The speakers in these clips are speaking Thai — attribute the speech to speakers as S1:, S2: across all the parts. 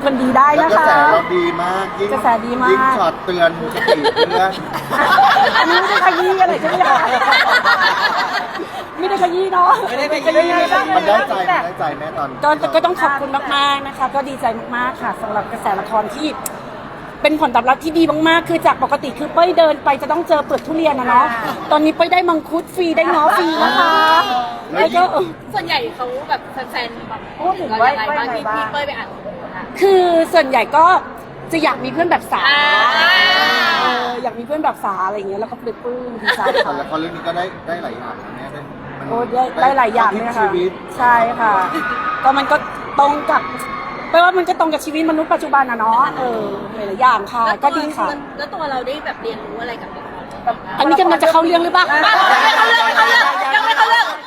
S1: มันดีได้
S2: แล้ว
S1: นะ
S2: กระ
S1: คะ
S2: แสเราดีมากยิ่ง
S1: กระแสดีมาก
S2: ยิ่งช็อตเตือนสติเพื่อน
S1: อันนี้ไม่ได้ขยี้อะไรใช่ไหมคะไม่ได้ขยี้เนาะ
S3: ไม่ได้ขยี้
S2: มันได้ใจแม่ตอน
S1: ก็ต้องขอบคุณมากๆนะคะก็ดีใจมากๆค่ะสำหรับกระแสละครที่เป็นผลตอบรับที่ดีมากๆคือจากปกติคือเป้ยเดินไปจะต้องเจอเปลือกทุเรียนนะเนาะตอนนี้เป้ยได้มังคุดฟรีได้ง้อฟรีนะคะแล้วก็
S4: ส่วนใหญ่เขาแบบแฟนๆแบบ
S5: พูดถึง
S4: เรา
S5: ว่า
S4: ยังไงบ้างที่พี่เป้ยไปอ่าน
S1: คือส่วนใหญ่ก็จะอยากมีเพื่อนแบบสา
S4: อ่า
S1: อยากมีเพื่อนแบบสาอะไรอย่างเงี้ยแล้วก็ปลื้มดีใจ
S2: แต่
S1: ค่ะ
S2: ละครเรื่องนี้ก็ได้หลายอย่างนะแม่มัน
S1: โอ้ได้หลายอย่างเลยนะคะ
S2: ชีวิต
S1: ใช่ค่ะ ก็มันก็ตรงกับแปลว่ามันก็ตรงกับชีวิตมนุษย์ปัจจุบันนะเนาะหลายๆอย่างค่ะ ก็ดีค่ะ
S4: แล้วตัวเราได้แบบเรียนรู้อะไรกับละคร
S1: อันนี้กำลังจะเข้าเรื่องหรือเปล่า
S4: ยังไม่เข้าเรื่อง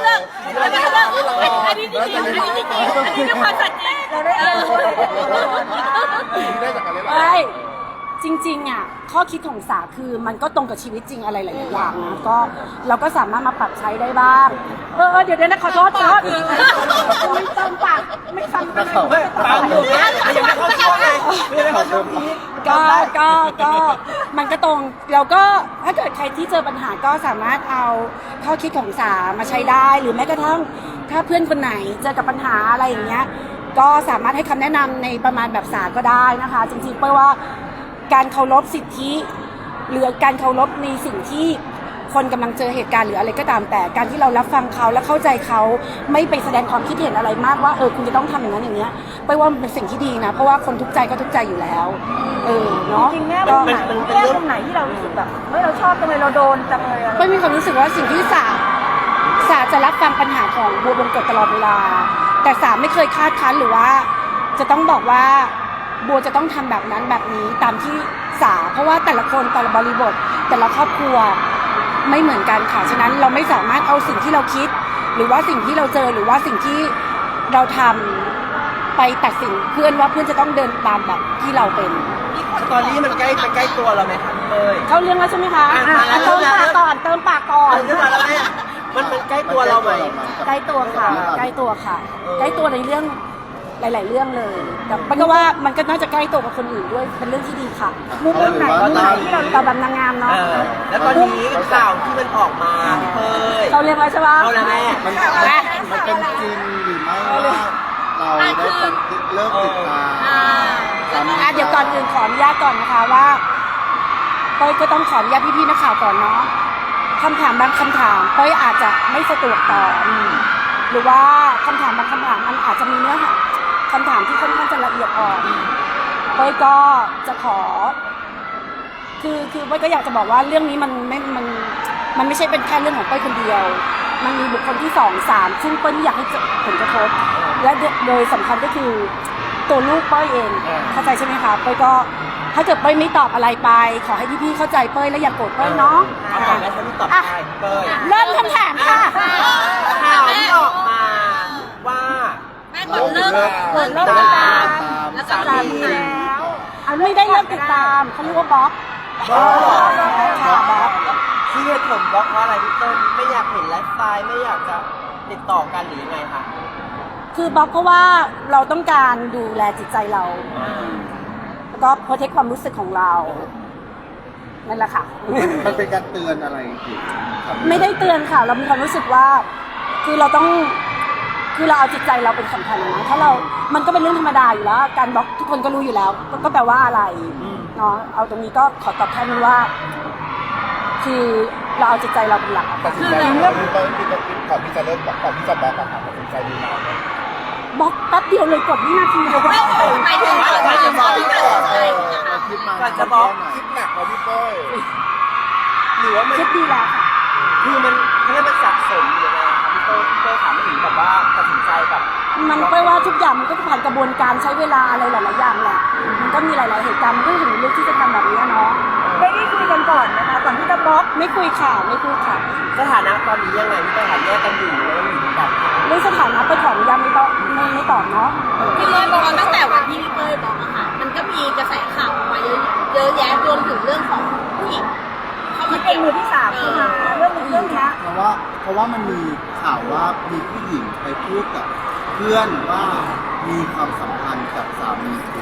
S4: อันนี้จริงๆอันนี้เป็นความสัตย์จริง
S5: เราได้เรียนรู้อะไรจากตัวละครบ้าง
S2: ได้จากอะไรบ้าง
S1: ใช่จริงๆอ่ะข้อคิดของสาคือมันก็ตรงกับชีวิตจริงอะไรหลายๆอย่างนะก็เราก็สามารถมาปรับใช้ได้บ้างเดี๋ยวนะขอโทษไม่เติมปากไม่ฟังไม่
S3: ปากอยู่เนี่ยยังไม่เข้าช่วงเลยยังไม่เข้าช่วงพีค
S1: ก็มันก็ตรงเราก็ถ้าเกิดใครที่เจอปัญหาก็สามารถเอาข้อคิดของสามาใช้ได้หรือแม้กระทั่งถ้าเพื่อนคนไหนเจอกับปัญหาอะไรอย่างเงี้ยก็สามารถให้คำแนะนำในประมาณแบบสาก็ได้นะคะจริงๆเป้ยว่าการเคารพสิทธิหรือการเคารพในสิ่งที่คนกำลังเจอเหตุการณ์หรืออะไรก็ตามแต่การที่เรารับฟังเขาและเข้าใจเขาไม่ไปแสดงความคิดเห็นอะไรมากว่าคุณจะต้องทำอย่างนั้นอย่างเนี้ยไปว่ามันเป็นสิ่งที่ดีนะเพราะว่าคนทุกข์ใจก็ทุกข์ใจอยู่แล้วเนาะ
S5: จริงๆแม่มุมไหนแม่มุมไหนที่เรารู้สึกแบบเฮ้ยเราชอบจังเลยเราโดนจังเลยอะไร
S1: ไม่มีความรู้สึกว่าสิ่งที่สาจะรับฟังปัญหาของบัวบงกฎตลอดเวลาแต่สาไม่เคยคาดคั้นหรือว่าจะต้องบอกว่าบัวจะต้องทำแบบนั้นแบบนี้ตามที่สาเพราะว่าแต่ละคนแต่ละบริบทแต่ละครอบครัวไม่เหมือนกันค่ะฉะนั้นเราไม่สามารถเอาสิ่งที่เราคิดหรือว่าสิ่งที่เราเจอหรือว่าสิ่งที่เราทำไปตัดสินเพื่อนว่าเพื่อนจะต้องเดินตามแบบที่เราเป็น
S3: สตอรี่มันใกล้ตัวเราไหมคะพี่เป้ย
S1: เข้าเรื่องแล้วใช่ไหมคะ
S3: อ่ะ
S1: เติมปากก่อนเติมปากก่อน
S3: เรื่องมาแล้วแม่มันใกล้ตัวเราไหม
S1: ใกล้ตัวค่ะใกล้ตัวค่ะใกล้ตัวในเรื่องหลาย ๆ เรื่องเลยแต่มันก็ว่ามันก็น่าจะใกล้ตัวกับคนอื่นด้วยเป็นเรื่องที่ดีค่ะ
S5: มุมไหนที่เรา
S1: ตอบแบบนางงามเนาะ
S3: แล้วตอนนี้ข่าวที่มันออกมาพี่เป้ย
S1: เขาเรียกว่าใช่ปะ
S3: เข้าแล้วแม่
S2: มันเป็นจริงหรือไม่ว่าเราได้เลิกติดตามสามี
S1: เดี๋ยวก่อนอื่นขออนุญาตก่อนนะคะว่าเป้ยก็ต้องขออนุญาตพี่ๆนักข่าวก่อนเนาะคำถามบางคำถามเป้ยอาจจะไม่สะดวกตอบหรือว่าคำถามบางคำถามมันอาจจะมีเนื้อหาคำถามที่ค่อนข้างจะละเอียดอ่อนเป้ยก็จะขอคือเป้ยก็อยากจะบอกว่าเรื่องนี้มันไม่ใช่เป็นแค่เรื่องของเป้ยคนเดียวมันมีบุคคลที่2 3ซึ่งเป้ยไม่อยากให้เกิดผลกระทบและโดยสำคัญก็คือตัวลูกเป้ยเองเข้าใจใช่ไหมคะเป้ยก็ถ้าเกิดเป้ยไม่ตอบอะไรไปขอให้พี่ๆเข้าใจเป้ยและอย่าโกรธเป้ยเนาะ
S3: เอาก่อนแม่ฉันตอบได้พี่เป้ย
S1: เริ่มคำถามค่ะ
S3: ข่าวที่ออกมาว่า
S4: แม่กดเลิก
S1: ติดตาม
S4: แล้วก็
S3: สา
S4: สา
S3: มี
S4: มี
S5: แล้ว
S1: ไม่ได้เริ่มติดตามเขาเรียกว่าบล็อกค่ะบล็อก
S3: ที่เหตุผลบล็อกเพราะอะไรพี่เต้นไม่อยากเห็นไลฟ์สไตล์ไม่อยากจะติดต่อกันหรือยังไงคะ
S1: คือบล็อกเพราะว่าเราต้องการดูแลจิตใจเราแล้วก็โปรเทคความรู้สึกของเรานั่นแหละค่ะ
S2: มันเป็นการเตือนอะไรอีก
S1: ไม่ได้เตือนค่ะ เรามีความรู้สึกว่าคือเราต้องคือเราเอาจิตใจเราเป็นสำคัญนะถ้าเรามันก็เป็นเรื่องธรรมดาอยู่แล้วการบล็อกทุกคนก็รู้อยู่แล้วก็แปลว่าอะไรเนาะเอาตรงนี้ก็ขอตอบแทนว่า คือเราเอาจิตใจเราเป็นหลัก
S2: ตัดสินใจเรื่องก่อนที่จะเริ่มก่อนที่จะบล็อกอะค่ะตัดสินใจดีมาก
S1: บล็อกแป๊บเดียวเลยกดวินาทีเดียว
S4: หมายถึงว่าที่ตัดสินใจ
S2: คิดมา
S3: ก่อนจะบล็อก
S2: คิดหนักมาพี่เป้ย
S3: หรือว่ามัน
S1: คิดดีแล้วค่ะ
S3: คือมันเขาเรียกมันสะสมอยู่เลยครับพี่เต้ถามไม่ถึงแบบว่าตัดสินใจแบบ
S1: มันไปว่าทุกอย่างมันก็ผ่านกระบวนการใช้เวลาอะไรหลายๆอย่างแหละมันก็มีหลายๆเหตุการณ์มันก็ถึงเลือกที่จะทำแบบนี้เนาะ
S5: ได้คุยกันก่อนนะคะก่อนที่จะบล็อก
S1: ไม่คุยค่ะไม่คุยค่ะ
S3: สถานะตอนนี้ยังไงพี่เต้ถามแยกกันอยู่แล้วอยู่ด้วยกัน
S1: เรื่องสถานะไปขออนุญาตไม่ตอบเนาะ
S4: พี่เป้ยบอกตั้งแต่วันที่พี่เป้ยบอกอะค่ะมันก็มีกระแสข่าวออกมาเยอะแยะรวมถึงเรื่องของผู้หญิงเข้ามา
S5: ที่เป็นมือที่สามขึ้นมาเรื่องนี้
S2: เพราะว่ามันมีข่าวว่ามีผู้หญิงไปพูดกับเพื่อนว่ามีความสัมพันธ์กับสามีคุณ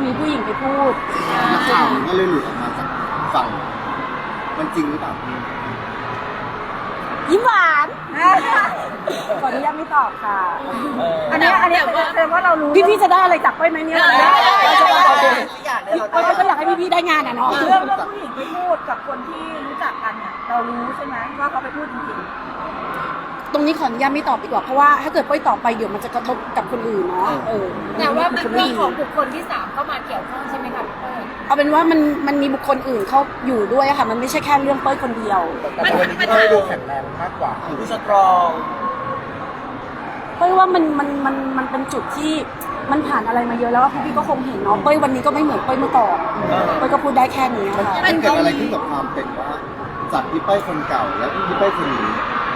S1: มีผู้หญิงไปพูด
S2: ข่าวมันก็เลยหลุดออกมาจากฝั่งมันจริงหรือเปล่า
S1: ยิ้มหวานขออนุญาตไม่ตอบค่ะ
S5: อันนี้แสดงว่าเรารู้
S1: พี่ๆจะได้อะไรจากก้อยไหมเนี่ย
S5: ได้
S1: ก้อยก็อยากให้พี่ๆได้งานอ่ะเนาะ
S5: เรื่องผู้หญิงไปพูดกับคนที่รู้จักกันเนี่ยเรารู้ใช่ไหมว่าเขาไปพูดจริง
S1: ตรงนี้ขออนุญาตไม่ตอบดีกว่าเพราะว่าถ้าเกิดก้อยตอบไปเดี๋ยวมันจะกระทบกับคนอื่นเนาะ
S4: แต่ว่า
S1: แต่ว่ามั
S4: มัน นมีของบุคคลที่สามเข้ามาเกี่ยวข้องใช่ไหมคะพี่เป้ย
S1: เอาเป็นว่ามันมีบุคคลอื่นเขาอยู่ด้วยอะค่ะ มันไม่ใช่แค่เรื่องเป้ยคนเดียว
S2: แต่วันนี้พี่เต้ยดูแข็งแรงมากกว่า
S3: ดูสตรอง
S1: เป้ยว่ามันเป็นจุดที่มันผ่านอะไรมาเยอะแล้วพี่ก็คงเห็นเนาะเป้ยวันนี้ก็ไม่เหมือนเป้ยเมื่อก่อนเป้ยก็พูดได้แค่นี้
S2: มัน
S1: ค่ะ
S2: มันเกิดอะไรขึ้นกับความเป็นว่าจากพี่เป้ยคนเก่าและพี่เป้ยคนนี้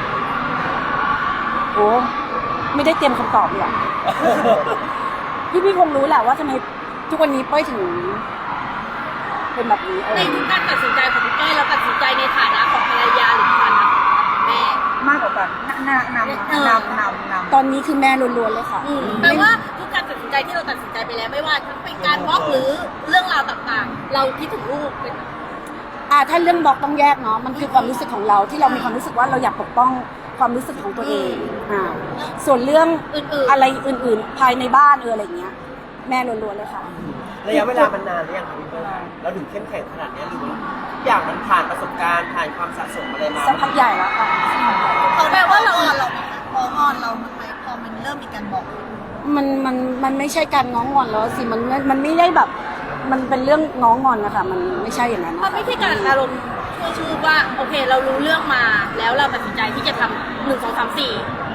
S1: โอ้ไม่ได้เตรียมคำตอบเลยอะ พี่คงรู้แหละว่าทำไมทุกวันนี้เป้ยถึงเป็นแบบนี้
S4: ในทุกการตัดสินใจของพี่เป้ยเราตัดสินใจในฐานะของภรรยาหรือฐานะของแม่
S5: ๆ มากกว่ากันนำ
S1: ตอนนี้คือแม่ล้วนๆเลยค่ะ
S4: แปลว่าทุกการตัดสินใจที่เราตัดสินใจไปแล้วไม่ว่าทั้งเป็นการบล็อกหรือเรื่องราวต่างๆ เราคิดถึงลูกเป็น
S1: ถ้าเรื่องบล็อกต้องแยกเนาะมันคือความรู้สึกของเราที่เรามีความรู้สึกว่าเราอยากปกป้องความรู้สึกของตัวเองส่วนเรื่อง
S4: อื่นๆ
S1: อะไรอื่นๆ ภายในบ้านอะไรอย่างเงี้ย แม่ล้วนๆเลยค่ะ
S3: ระยะเวลามันนานหรือยังคะพี่เป้ยเราถึงเข้มแข็งขนาดนี้หรือว่าทุกอย่างมันผ่านประสบการณ์ผ่านความสะสมอะไรมา
S1: สักพักใหญ่แล้วค่ะ
S4: เขาแปลว่าเราอ่อนเราไหมคะพออ่อนเราไหมพอมันเริ่มมีการบอก
S1: มันไม่ใช่การง้องอนแล้วสิมันไม่ได้แบบ มันเป็นเรื่องง้องอนนะคะมันไม่ใช่อย่างนั้น
S4: มันไม่ใช่การอารมณ์ชั่วชูบว่าโอเคเรารู้เรื่องมาแล้วเราตัดสินใจที่จะทำ1 2 3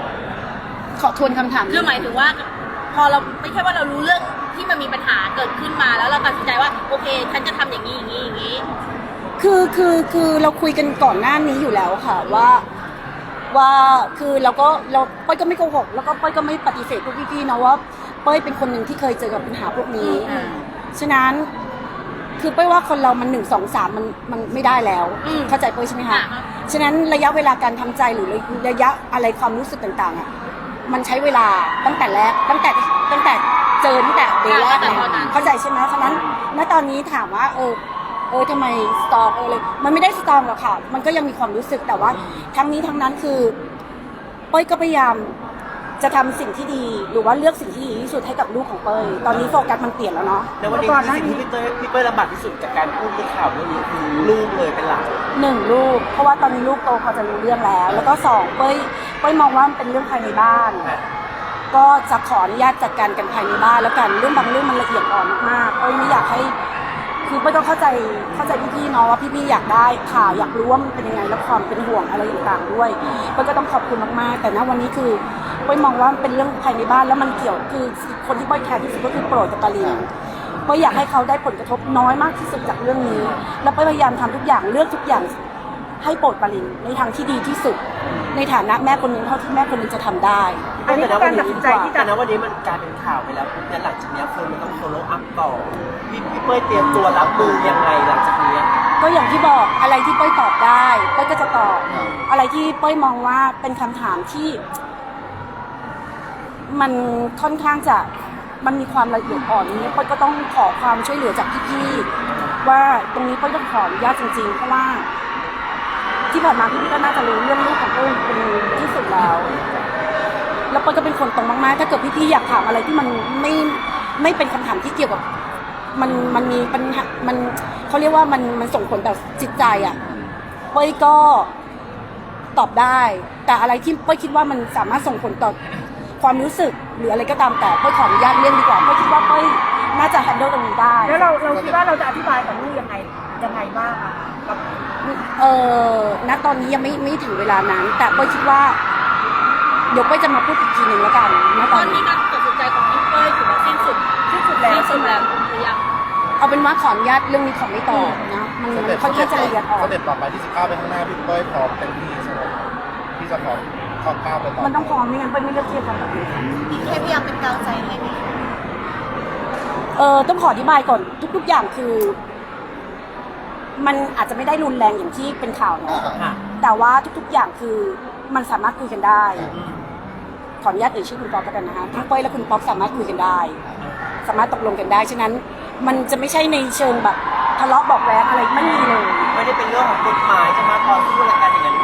S4: 4
S1: ขอทวนคำถาม
S4: คือหมายถึงว่า พอเราไม่ใช่ว่าเรารู้เรื่องที่มันมีปัญหาเกิดขึ้นมาแล้วเราตัดสินใจว่าโอเคฉันจะทำอย่างนี้อย่างนี้อย่างนี้
S1: คือเราคุยกันก่อนหน้านี้อยู่แล้วค่ะว่าคือเราเป้ยก็ไม่โกหกแล้วก็เป้ยก็ไม่ปฏิเสธพวกพี่ๆนะว่าเป้ยเป็นคนหนึ่งที่เคยเจอกับปัญหาพวกนี้ฉะนั้นคือเป้ยว่าคนเรามัน1 2 3มันไม่ได้แล้วเข้าใจเป้ยใช่ไหมคะฉะนั้นระยะเวลาการทำใจหรือระยะอะไรความรู้สึกต่างๆอ่ะมันใช้เวลาตั้งแต่แรกตั้งแต่เจอตั้งแต่เดย์แรกเลยเข้าใจใช่ไหมฉะนั้นณตอนนี้ถามว่าทำไมสตรองเลยมันไม่ได้สตรองหรอกค่ะมันก็ยังมีความรู้สึกแต่ว่าทั้งนี้ทั้งนั้นคือเป้ยก็พยายามจะทำสิ่งที่ดีหรือว่าเลือกสิ่งที่ดีที่สุดให้กับลูกของเป้ยตอนนี้โฟกัสมันเปลี่ยนแล้วเนาะ
S3: ในวันนี้คือสิ่งที่พี่เป้ยลำบากที่สุดจากการพูดเรื่องข่าวเรื่องนี้คือลูกเลยเป็นหลัก
S1: 1ลูกเพราะว่าตอนนี้ลูกโตพอจะรู้เรื่องแล้วก็2เป้ยมองว่ามันเป็นเรื่องภายในบ้านก็จะขออนุญาตจัดการกันภายในบ้านแล้วกันเรื่องบางเรื่องมันละเอียดอ่อนมากๆเป้ยไม่อยากให้คือเป้ยต้องเข้าใจพี่ๆเนาะว่าพี่ๆอยากได้ข่าวอยากรู้ว่ามันเป็นยังไงและความเป็นห่วงอะไรต่างๆด้วยเป้ยก็ต้องขอบคุณมากๆแต่ณวันนี้คือเป้ยมองว่ามันเป็นเรื่องภายในบ้านแล้วมันเกี่ยวคือคนที่เป้ยแคร์ที่สุดก็คือโปรดกับปารีนเป้ยอยากให้เขาได้ผลกระทบน้อยมากที่สุดจากเรื่องนี้แล้วเป้ยพยายามทำทุกอย่างเลือกทุกอย่างให้โปรดปารินในทางที่ดีที่สุดในฐานะแม่คนหนึ่งเท่าที่แม่คนหนึ่งจะทำได้
S5: อันนี้คือการตัดสินใจที่จะ
S3: แต่ณวันนี้มันกลายเป็นข่าวไปแล้วปุ๊บเนี่ยหลังจากนี้คนมันต้อง follow up ต่อพี่เป้ยเตรียมตัวรับมือยังไงหลังจากนี้
S1: ก็อย่างที่บอกอะไรที่เป้ยตอบได้เป้ยก็จะตอบอะไรที่เป้ยมองว่าเป็นคำถามที่ มันค่อนข้างจะมันมีความละเอียดอ่อนนี้เป้ยก็ต้องขอความช่วยเหลือจากพี่ๆว่าตรงนี้เป้ยต้องขออนุญาตจริงๆเพราะว่าที่ผ่านมาพี่ๆก็น่าจะรู้เรื่องลูกของเป้ยเป็นที่สุดแล้วเป้ยก็เป็นคนตรงมากๆถ้าเกิดพี่ๆอยากถามอะไรที่มันไม่เป็นคำถามที่เกี่ยวกับมันมีปัญหามันเขาเรียกว่ามันส่งผลต่อจิตใจอ่ะเป้ยก็ตอบได้แต่อะไรที่เป้ยคิดว่ามันสามารถส่งผลต่อความรู้สึกหรืออะไรก็ตามแต่เป้ยขออนุญาตเลี่ยงดีกว่าเป้ยคิดว่าเป้ยน่าจะ handle ตรงนี้ได้
S5: แล้วเราคิดว่าเราจะอธิบายกับลูกยังไงบ้างอะกับ
S1: ณตอนนี้ยังไม่ถึงเวลานั้นแต่เป้ยคิดว่าเดี๋ยวเป้ยจะมาพูดอีกทีหนึ่งแล้วกันณ
S4: ต
S1: ต
S4: อ
S1: อน น
S4: นี้
S1: นี้
S4: การตัดสินใจของพี่เป้ยถือว่าสิ้นสุด
S5: แล้ว
S4: สิ้นสุดแล้วหรือยัง
S1: เอาเป็นว่าขออนุญาตเรื่องนี้ขอไม่ตอบนะมันค่อนข้างจะละเอียดอ่อน
S2: สเต็ปต่อไปที่19ไปข้างหน้าพี่เป้ยพร้อมเต็มที่ใช่ไหมพี่จะพร้อมก้าวไปต่อ
S1: มันต้องพร้อมไม่งั้นเป้ยไม่เลือกที่จะทำแบบนี้
S4: แค่พยายามเป็นกำลังใจให้ไหม
S1: ต้องขออธิบายก่อนทุกๆอย่างคือ มันอาจจะไม่ได้รุนแรงอย่างที่เป็นข่าวเนาะแต่ว่าทุกๆอย่างคือมันสามารถคุยกันได้ขออนุญาตเอ่ยชื่อคุณป๊อกกันนะคะทั้งเป้ยและคุณป๊อกสามารถคุยกันได้ สามารถตกลงกันได้ฉะนั้นมันจะไม่ใช่ในเชิงแบบทะเลาะเบอกแว้งอะไรไม่มีเลย
S3: ไม่ได้เป็นเรื่องของกฎหมายจะมาต่อสู้อะไรกันอย่างนั้น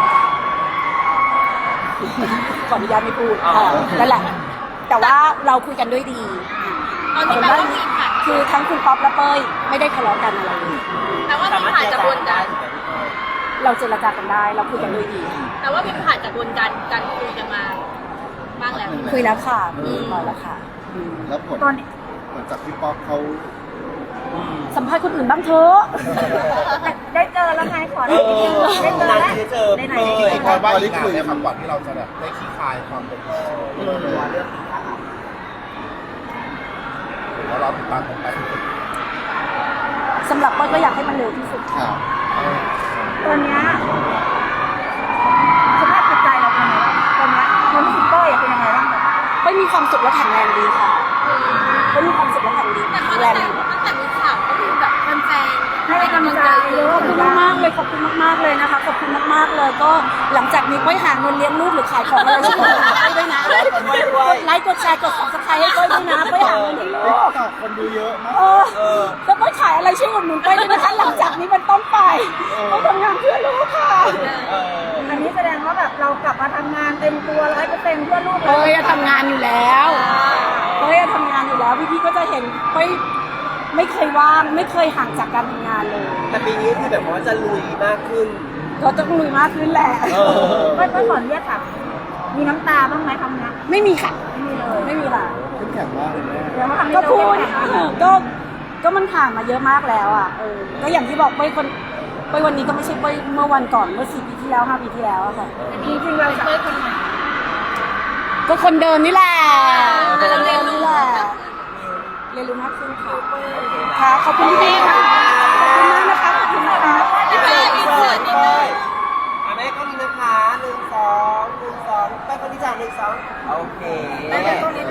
S1: ขออนุญาตไม่พูด
S3: อ๋อ
S1: นั่นแหละ แต่ว่าเราคุยกันด้วยดี
S4: ตอนนี้แปลว่ามีผ่าน
S1: คือทั้งคุณป๊อปและเป้ยไม่ได้ทะเลาะกันอะไรเลย
S4: แปลว่ามีผ่านกระบวนการ
S1: เราเจรจากันได้เราคุยกันด้วยดี
S4: แต่ว่ามีผ่านกระบวนการการคุยกันมาบ้างแล้ว
S1: คุยแล้วค่ะมีมาแล้วค่ะ
S2: แล้วผล
S5: ตอนนี้
S2: ผลจากพี่ป๊อปเขา
S1: สัมภาษณ์คนอื่นบ้างเถอะ
S5: ได้เจอแล้วไงขอได้เจอได้เจอแล้ว
S3: เจอ
S5: ไหน
S3: เป้ย
S2: พอว่าได้คุย
S6: ครับก่อนที่เราจะแบบได้ขี้คายความเป็นพ่อแล้วเราติดตามกันไป
S1: สำหรับเป้ยก็อยากให้มันเร็วที่สุด
S2: ข่าว
S5: ตอนเนี้ยสภาพจิตใจเราเป็นยังไงบ้างตอนเนี้ยความรู้สึกเป้ยเป็นยังไงบ้างแบบ
S1: เป้ยมีความสุขและแข็งแรงดีค่ะเป้ยมีความสุขและแข็งดี
S4: แต่เขา
S1: แร
S4: ตั้
S1: ง
S4: งแต่มีข่าวก็มีแบบแฟนๆ
S5: ให้กำลังใจเยอะ
S1: ขอบคุณมากๆเลยขอบคุณมากๆเลยนะคะขอบคุณมากๆเลยก็หลังจากนี้เป้ยหาเงินเลี้ยงลูกหรือขายของอะไรช่วยให้ด้วยนะกดไลค์กดแชร์กด subscribe ให้เป้ยด้วยนะเป้ยหาเงินให้ลูก
S2: คนดูเยอะมาก
S1: แล้วเป้ยขายอะไรช่วยอุดหนุนเป้ยด้วยนะคะหลังจากนี้มันต้องไปเป้ยทำงานเพื่อลูกค่ะ
S5: อันนี้แสดงว่าแบบเรากลับมาทำงานเต็มตัว100%เพื่อลูก
S1: เป้ยทำงานอยู่แล้วเป้ยทำงานอยู่แล้วพี่ๆก็จะเห็นเป้ยไม่เคยว่างไม่เคยห่างจากการทำงานเลย
S3: แต่ปีนี้คือแบบว่าจะลุยมากขึ้น
S1: ก็ต้องลุยมากขึ้นแหละ
S5: เป้ยขอเรียกค่ะมีน้ำตาบ้างไหมทำงาน
S1: ไม่มีค่ะ
S5: ไม่มีเลย
S1: ไม่มีค่ะ
S2: เข้มแข็งมากเลยแม่
S5: เดี๋ยวมาทำให้
S1: ก็
S5: เรา
S1: พูด
S5: เข้มแข็งนะ
S1: ก็มันผ่านมาเยอะมากแล้วอ่ะก็อย่างที่บอกเป้ยวันนี้ก็ไม่ใช่เป้ยเมื่อวันก่อนเมื่อ4 ปีที่แล้ว5 ปีที่แล้วอะค่ะ
S5: จริงๆเราจะ
S1: ก็คนเดิมนี่แหละ
S4: เราเรียนรู้
S1: นี่แหละเรียนรู้มากขึ้นค่ะค่ะขอบคุณพี่ๆค่ะขอบคุณมากนะคะขอบคุณนะคะ
S4: พี่เป้ยอินเสิร์ตนิดนึง
S3: แม่ก็นี้นะคะ1 2 1 2แม่คนที่จ่าย1 2โอเค